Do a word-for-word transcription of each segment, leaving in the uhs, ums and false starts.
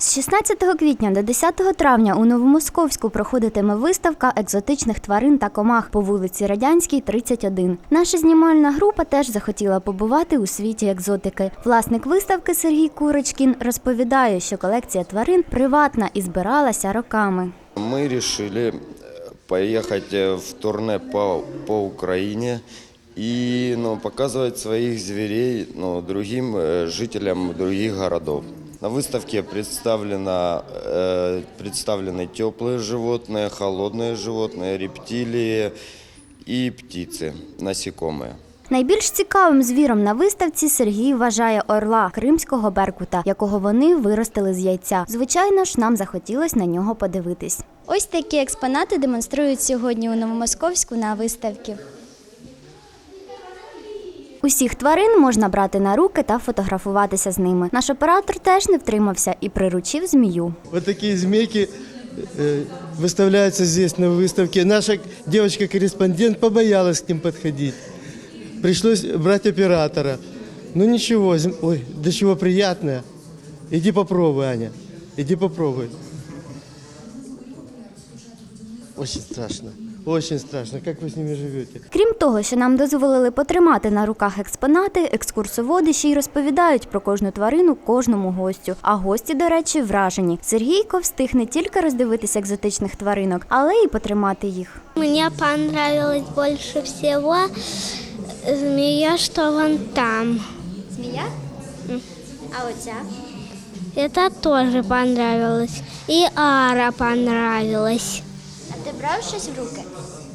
З шістнадцятого квітня до десятого травня у Новомосковську проходитиме виставка екзотичних тварин та комах по вулиці Радянській, тридцять один. Наша знімальна група теж захотіла побувати у світі екзотики. Власник виставки Сергій Курочкін розповідає, що колекція тварин приватна і збиралася роками. Ми вирішили поїхати в турне по, по Україні и ну, показывать своих зверей ну, другим э, жителям других городов. На выставке представлено, э, представлены теплые животные, холодные животные, рептилии и птицы, насекомые. Найбільш цікавим звіром на виставці Сергій вважає орла кримського беркута, якого вони виростили з яйця. Звичайно ж, нам захотілося на нього подивитись. Ось такі експонати демонструють сьогодні у Новомосковську на виставці. Усіх тварин можна брати на руки та фотографуватися з ними. Наш оператор теж не втримався і приручив змію. Ось такі змійки виставляються тут на виставці. Наша дівчинка-кореспондент побоялась к ним підходити. Прийшлось брати оператора. Ну нічого, ой, до чого приємне. Іди попробуй, Аня, іди попробуй. Очень страшно. Очень страшно. Як ви з ними живете? Крім того, що нам дозволили потримати на руках експонати, екскурсоводи ще й розповідають про кожну тварину кожному гостю. А гості, до речі, вражені. Сергійко встиг не тільки роздивитися екзотичних тваринок, але й потримати їх. Мені понравилось більше всього змія, що вон там. Змія? А оця? Это тоже понравилось. И Ара понравилась. А ти брав щось в руки?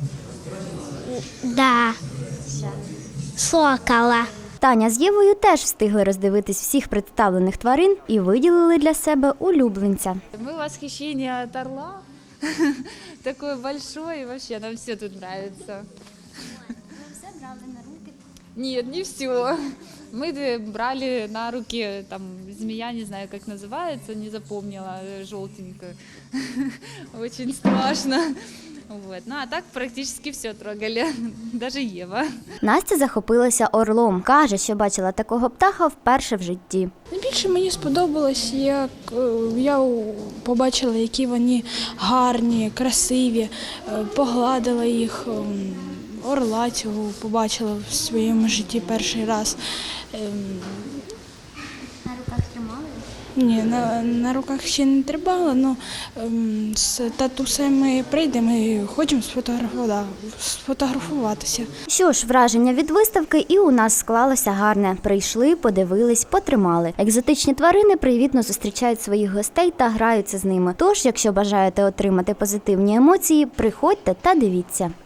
Да. Що? Сокола. Таня з Євою теж встигли роздивитись всіх представлених тварин і виділили для себе улюбленця. Мы в восхищении от орла. Такой большой, и вообще нам все тут нравится. Все брали на руки? Нет, не все. Мы брали на руки, там, змея, не знаю, как называется, не запомнила, желтенькая. Очень страшно. Вот. Ну, а так практически все трогали, даже Ева. Настя захопилася орлом. Каже, що бачила такого птаха вперше в житті. Найбільше мені сподобалось, як е, я побачила, які вони гарні, красиві, е, погладила їх, ем, орла цього побачила в своєму житті перший раз. Ем, На руках тримали? Ні, на, на руках ще не тримала, але ем, з татусем ми прийдемо і хочемо сфотографувати, сфотографуватися. Що ж, враження від виставки і у нас склалося гарне. Прийшли, подивились, потримали. Екзотичні тварини привітно зустрічають своїх гостей та граються з ними. Тож, якщо бажаєте отримати позитивні емоції, приходьте та дивіться.